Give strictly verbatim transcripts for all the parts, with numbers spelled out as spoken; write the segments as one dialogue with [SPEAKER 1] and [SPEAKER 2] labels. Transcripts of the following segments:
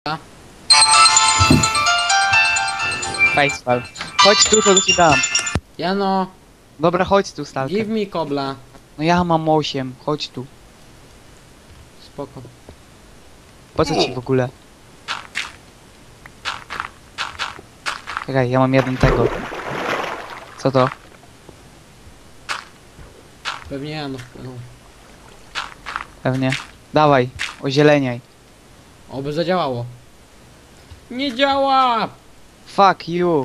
[SPEAKER 1] Facepal. Chodź tu, to ci dam.
[SPEAKER 2] Jano,
[SPEAKER 1] Dobra, chodź tu, stalker.
[SPEAKER 2] give me kobla.
[SPEAKER 1] No ja mam osiem, chodź tu.
[SPEAKER 2] Spoko.
[SPEAKER 1] Po co ci w ogóle? Czekaj, ja mam jeden tego. Co to?
[SPEAKER 2] Pewnie Jano wpłynął.
[SPEAKER 1] Pewnie. Dawaj, ozieleniaj.
[SPEAKER 2] Oby zadziałało. Nie działa!
[SPEAKER 1] Fuck you.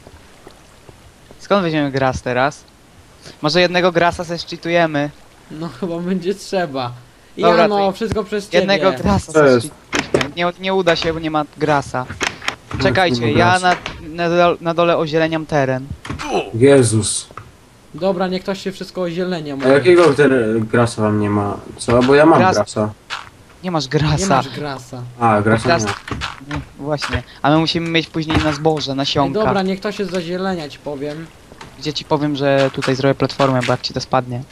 [SPEAKER 1] Skąd weźmiemy gras teraz? Może jednego grasa se szczytujemy.
[SPEAKER 2] No chyba będzie trzeba.
[SPEAKER 1] Dobra,
[SPEAKER 2] Jano,
[SPEAKER 1] to
[SPEAKER 2] wszystko przez ciebie.
[SPEAKER 1] Jednego grasa
[SPEAKER 3] Co
[SPEAKER 1] se
[SPEAKER 3] jest?
[SPEAKER 1] szczytujemy. Nie, nie uda się, bo nie ma grasa. Czekajcie, ja na, na, dole, na dole ozieleniam teren.
[SPEAKER 3] Jezus.
[SPEAKER 2] Dobra, niech ktoś się wszystko ozielenia
[SPEAKER 3] A
[SPEAKER 2] może.
[SPEAKER 3] jakiego ten grasa wam nie ma? Co? Bo ja mam
[SPEAKER 1] Gras-
[SPEAKER 3] grasa.
[SPEAKER 1] Nie masz
[SPEAKER 2] Nie
[SPEAKER 1] grasa.
[SPEAKER 2] masz grasa.
[SPEAKER 3] A, grasa
[SPEAKER 1] Gras-
[SPEAKER 3] nie ma.
[SPEAKER 1] Nie, właśnie. A my musimy mieć później na zboże,
[SPEAKER 2] Ej,
[SPEAKER 1] nasionka.
[SPEAKER 2] dobra, niech to się zazielenia, ci powiem.
[SPEAKER 1] Gdzie ci powiem, że tutaj zrobię platformę, bo jak ci to spadnie.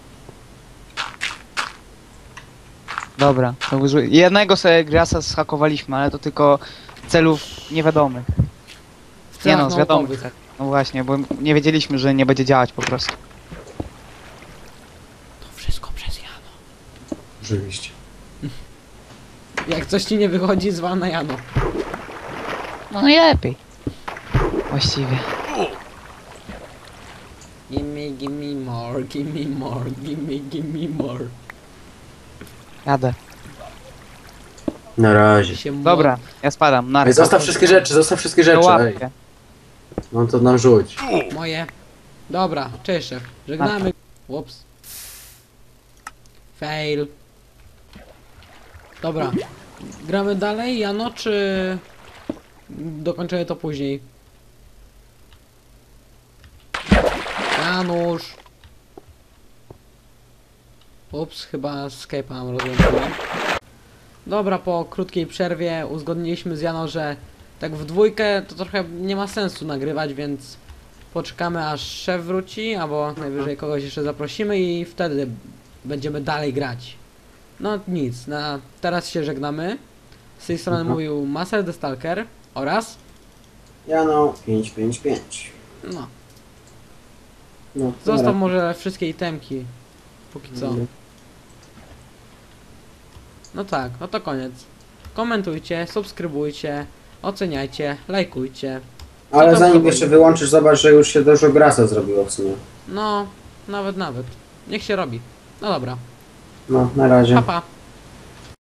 [SPEAKER 1] Dobra, to użyj. Jednego sobie grasa zhakowaliśmy, ale to tylko celów niewiadomych.
[SPEAKER 2] W
[SPEAKER 1] Nie
[SPEAKER 2] celach
[SPEAKER 1] no, z wiadomych.
[SPEAKER 2] naukowych.
[SPEAKER 1] celów. No właśnie, bo nie wiedzieliśmy, że nie będzie działać po prostu.
[SPEAKER 2] To wszystko przez Jano.
[SPEAKER 3] Oczywiście.
[SPEAKER 2] Jak coś ci nie wychodzi, zwal na Jano.
[SPEAKER 1] No najlepiej. Właściwie.
[SPEAKER 2] Gimme, gimme more, gimme more, gimme, gimme more.
[SPEAKER 1] Jadę.
[SPEAKER 3] Na razie.
[SPEAKER 2] Się mo-
[SPEAKER 1] Dobra, ja spadam. Na
[SPEAKER 3] Ej, zostaw wszystkie rzeczy, zostaw wszystkie rzeczy. Ej.
[SPEAKER 1] łapkę.
[SPEAKER 3] No to nam rzuć.
[SPEAKER 2] Moje. Dobra, cześć szef. Żegnamy. Ups. Fail. Dobra. Gramy dalej, Jano, czy dokończymy to później? Janusz. Ups, chyba Skype'a nam rozłączyłem. Dobra, po krótkiej przerwie uzgodniliśmy z Jano, że tak w dwójkę to trochę nie ma sensu nagrywać, więc poczekamy aż szef wróci, albo najwyżej kogoś jeszcze zaprosimy i wtedy będziemy dalej grać. No nic, na teraz się żegnamy. Z tej strony
[SPEAKER 3] Mhm.
[SPEAKER 2] mówił Master the Stalker oraz
[SPEAKER 3] Jano, pięć pięć pięć.
[SPEAKER 2] no,
[SPEAKER 3] No,
[SPEAKER 2] zostaw może wszystkie itemki póki co.
[SPEAKER 3] Mhm.
[SPEAKER 2] No tak, no to koniec. Komentujcie, subskrybujcie, oceniajcie, lajkujcie.
[SPEAKER 3] Ale
[SPEAKER 2] tam
[SPEAKER 3] zanim
[SPEAKER 2] zrobili?
[SPEAKER 3] jeszcze wyłączysz, zobacz, że już się dużo grasa zrobiło w sumie.
[SPEAKER 2] No, nawet, nawet. Niech się robi. No dobra,
[SPEAKER 3] No, na razie.
[SPEAKER 2] pa pa.